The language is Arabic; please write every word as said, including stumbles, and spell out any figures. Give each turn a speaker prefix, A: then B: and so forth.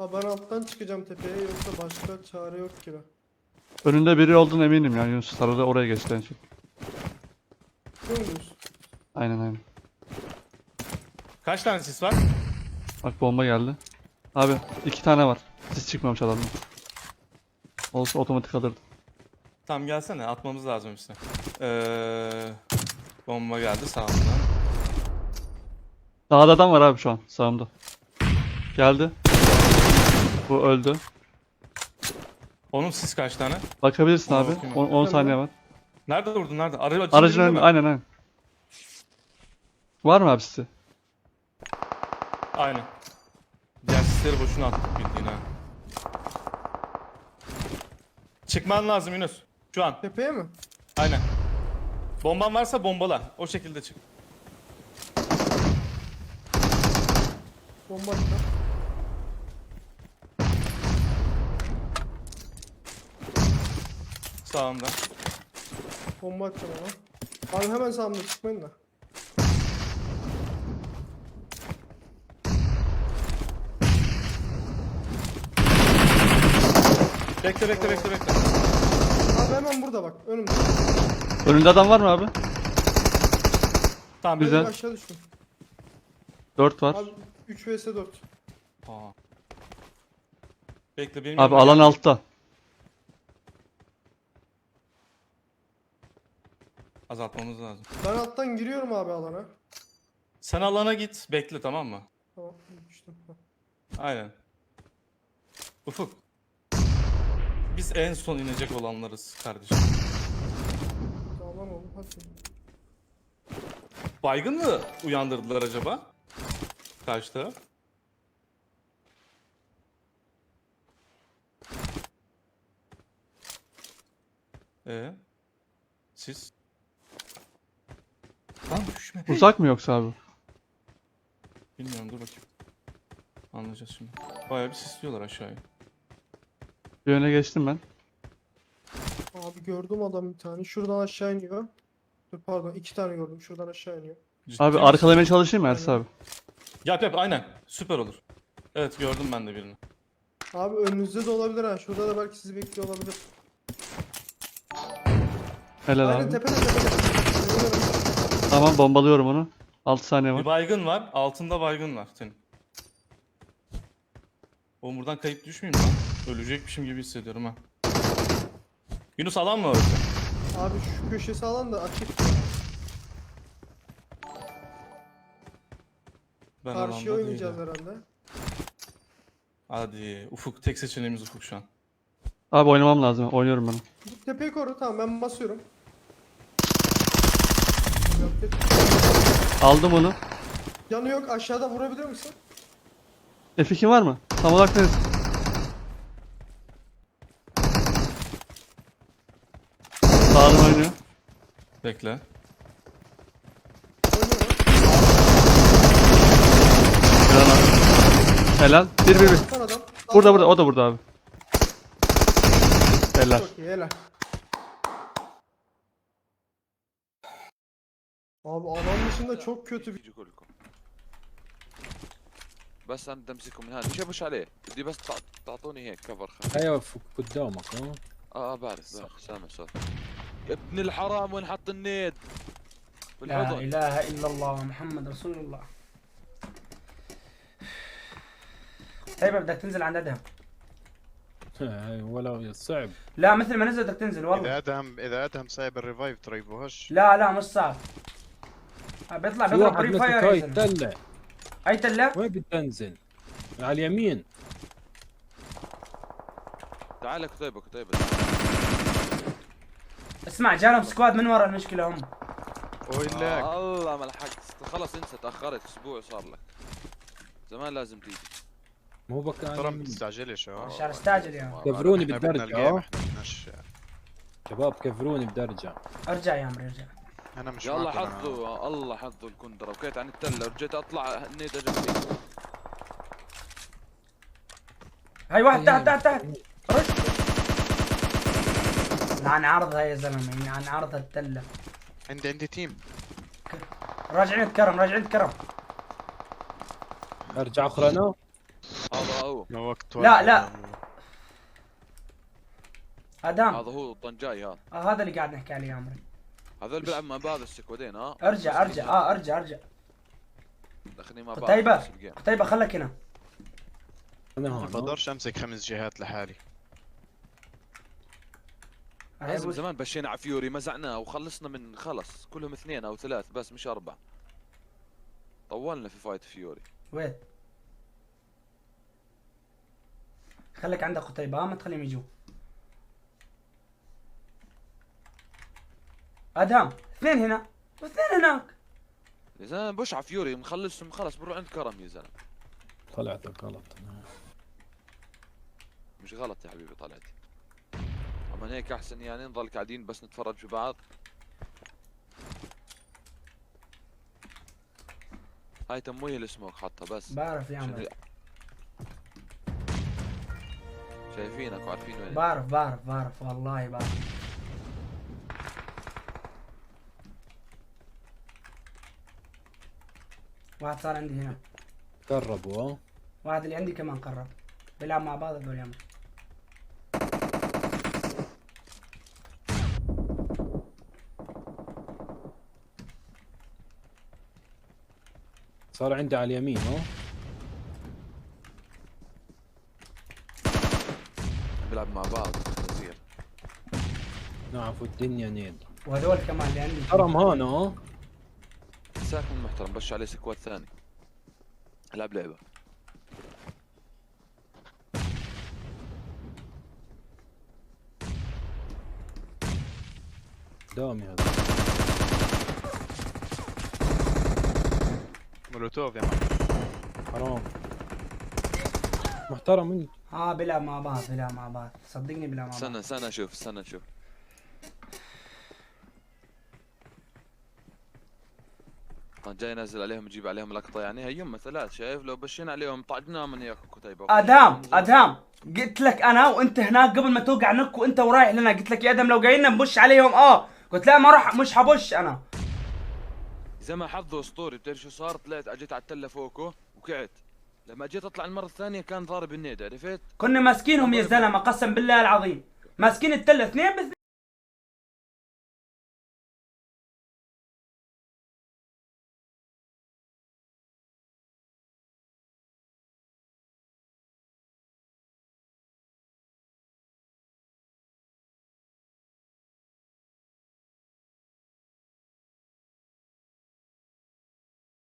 A: Abi ben alttan çıkacağım tepeye, yoksa başka çare yok gibi.
B: Önünde biri olduğunu eminim ya Yunus. Sarıda oraya geçti en son.
A: Biliyor musunuz?
B: Aynen aynen.
C: Kaç tane sis var?
B: Bak bomba geldi. Abi iki tane var. Siz çıkmamış adamdan. Olsa otomatik alırdı.
C: Tamam gelsene, atmamız lazım üstüne. Ee, bomba geldi sağımdan.
B: Dağda adam var abi şu an sağımda. Geldi. Bu öldü.
C: Onun sis kaç tane?
B: Bakabilirsin
C: Ona
B: abi.
C: bakayım.
B: on saniye var.
C: Nerede vurdun, nerede? Aracın,
B: Aracın
C: dibinde
B: önünde
C: mi?
B: aynen aynen. Var mı abi sizi?
C: Aynen. Diğer sisleri boşuna attık bildiğin ha. Çıkman lazım Yunus. Şu an.
A: Tepeye mi?
C: Aynen. Bomban varsa bombala. O şekilde çık.
A: Bomba atacağım.
C: Sağında.
A: Bomba atacağım ama. Abi hemen sağımda çıkmayın da.
C: Bekle bekle bekle bekle.
A: Abi hemen burada bak, önümde.
B: Önünde adam var mı abi?
C: Tamam.
B: Güzel.
A: Önümde aşağı düştüm.
B: dört var.
A: Abi üç vs dört.
C: Aa. Bekle benim
B: Abi
C: yanıma
B: alan
C: gel.
B: altta.
C: Azaltmamız lazım.
A: Ben alttan giriyorum abi alana.
C: Sen alana git. Bekle, tamam mı?
A: Tamam, düştüm.
C: Aynen. Ufuk. Biz en son inecek olanlarız kardeşim.
A: Tamam oğlum, hadi.
C: Baygın mı uyandırdılar acaba? Karşı taraf. Ee, siz? Lan düşme.
B: Uzak mı yoksa abi?
C: Bilmiyorum, dur bakayım. Anlayacağız şimdi. Bayağı bir sisliyorlar aşağıya.
B: Bir öne geçtim ben.
A: Abi gördüm adam bir tane. Şuradan aşağı iniyor. Dur pardon, iki tane gördüm. Şuradan aşağı iniyor.
C: Ciddi
B: Abi
C: misin?
B: arkalamaya çalışayım mı Ersin abi?
C: Yap yap, aynen. Süper olur. Evet, gördüm ben de birini.
A: Abi önünüzde de olabilir ha. Şurada da belki sizi bekliyor olabilir.
B: Helal
A: Aynen
B: abi.
A: tepede tepede. Görüyorum.
B: Tamam bombalıyorum onu. altı saniye
C: Bir
B: var.
C: baygın var. Altında baygın var senin. Oğlum buradan kayıp düşmeyeyim lan. Ölecekmişim gibi hissediyorum ha. Yunus alan mı orası?
A: Abi şu köşesi alan da açık.
C: Ben
A: Karşıya
C: alanda
A: oynayacağız
C: değilim.
A: herhalde.
C: Hadi Ufuk, tek seçeneğimiz Ufuk şu an.
B: Abi oynamam lazım. Oynuyorum ben.
A: Bu tepeyi koru, tamam ben basıyorum. Yok, yok.
B: Aldım onu.
A: Yanı yok, aşağıda vurabilir misin?
B: F iki var mı? Tam olarak neresi? Sağdan oynuyor.
C: Bekle.
A: Oynuyor.
B: Helal abi. Helal. Bir bir bir.
A: Son adam.
B: Burada burada. O da burada abi. Helal.
A: Çok iyi, helal. Abi alan dışında çok kötü bir...
D: يجي لكم بس انا بدي امسكه من هذا مش مش عليه بدي بس تع- تعطوني هيك كفر خفيف
E: ايوه فوق قدامك ها
D: اه اه بعرف بعرف سامع صوت يا ابن الحرام وين حط النيد
F: لا
D: بالحضن
F: إله إلا الله محمد رسول الله. طيب بدك تنزل عند أدهم.
E: هاي ولا صعب.
F: لا مثل ما نزل بدك تنزل والله.
G: اذا ادهم اذا ادهم سايب الريفايف ترى يبوهش.
F: لا لا مش صعب. بيطلع
E: في
F: بيضرب
E: واحد
F: بري
E: مثلك
F: فاير
E: هاي
F: يا زلمة.
E: تدلع.
F: أي تلة؟
E: وين بتنزل؟ على اليمين.
D: تعال كتيبه كتيبه
F: اسمع جالهم سكواد من ورا المشكلة هم.
G: ويلاك
D: آه الله ما لحقت خلص انسى تاخرت اسبوع صار لك زمان لازم تيجي
E: مو بك على
G: ترى ما
E: اليمين.
G: تستعجلش اه
F: عشان استعجل يا عم.
E: كفروني
G: احنا بدنا
E: بالدرجة
G: الجيم
E: اه.
G: احنا بدناش.
E: شباب كفروني بدرجة.
F: ارجع يا عمري ارجع.
G: انا مش
D: يلا
G: معكم أنا.
D: حظه الله حظه الكندره وكيت عن التله ورجيت اطلع النيد جنبي
F: هاي واحد تحت تحت تحت. رش. عن عرضها يا زلمة عن عرضها التلة.
G: عندي عندي تيم.
F: راجعين كرم راجعين كرم.
E: ارجع اخر انا.
D: هذا هو
G: ما وقت
F: لا،
G: واحد
F: لا.
G: يا
F: ادم
D: هذا هو الطنجاي هذا.
F: آه هذا اللي قاعد نحكي عليه يا عمري.
D: هذول بيلعب مع بعض السكوادين ها.
F: ارجع ارجع اه ارجع ارجع.
D: داخلين مع بعض.
F: قتيبة
D: نفس الجيم.
F: قتيبة خلك هنا.
E: انا
G: ما
E: هون
G: بقدرش امسك خمس جهات لحالي.
D: لازم زمان بشينا على فيوري مزعناه وخلصنا من خلص كلهم اثنين او ثلاث بس مش اربعة. طولنا في فايت فيوري.
F: وين؟ خليك عندك قتيبة ما تخليهم يجوا. ادهم اثنين هنا واثنين هناك.
D: يا زلمه بوش على فيوري مخلصهم خلص بنروح عند كرم يا زلمه.
E: طلعتك غلط.
D: مش غلط يا حبيبي طلعتي. اما هيك احسن يعني نضل قاعدين بس نتفرج في بعض. هاي تمويه السموك حطها بس.
F: بعرف يا
D: عشان
F: عمري.
D: شايفينك وعارفين وين.
F: بعرف بعرف بعرف والله بعرف. واحد صار عندي هنا.
E: قربوا ها.
F: واحد اللي عندي كمان قرب. بيلعب مع بعض هذول يا عمري.
E: صار عندي على اليمين ها.
D: بيلعب مع بعض كثير.
E: نعرف الدنيا نيل.
F: وهذول كمان اللي عندي.
E: حرم هون ها.
D: ساكن محترم بش عليه سكواد ثاني. العب لعبه.
E: قدامي هذا.
G: مولوتوف يا مان.
E: حرام. محترم انت.
F: اه بيلعب مع بعض بيلعب مع بعض صدقني بيلعب مع بعض.
D: استنى استنى اشوف استنى اشوف. جاي نازل عليهم يجيب عليهم لقطه يعني هيهم ثلاث شايف لو بشينا عليهم طعقناهم من ياكل كتيبه.
F: ادهم ادهم قلت لك انا وانت هناك قبل ما توقع نك وانت ورايح لنا قلت لك يا ادم لو جايين نبش عليهم اه قلت لا ما راح مش حبش انا.
D: زي ما حظه اسطوري بتعرف شو صار طلعت اجيت على التله فوقه وقعت. لما جيت اطلع المره الثانيه كان ضارب النيد عرفت؟
F: كنا ماسكينهم يا زلمه قسم بالله العظيم ماسكين التله اثنين باثنين.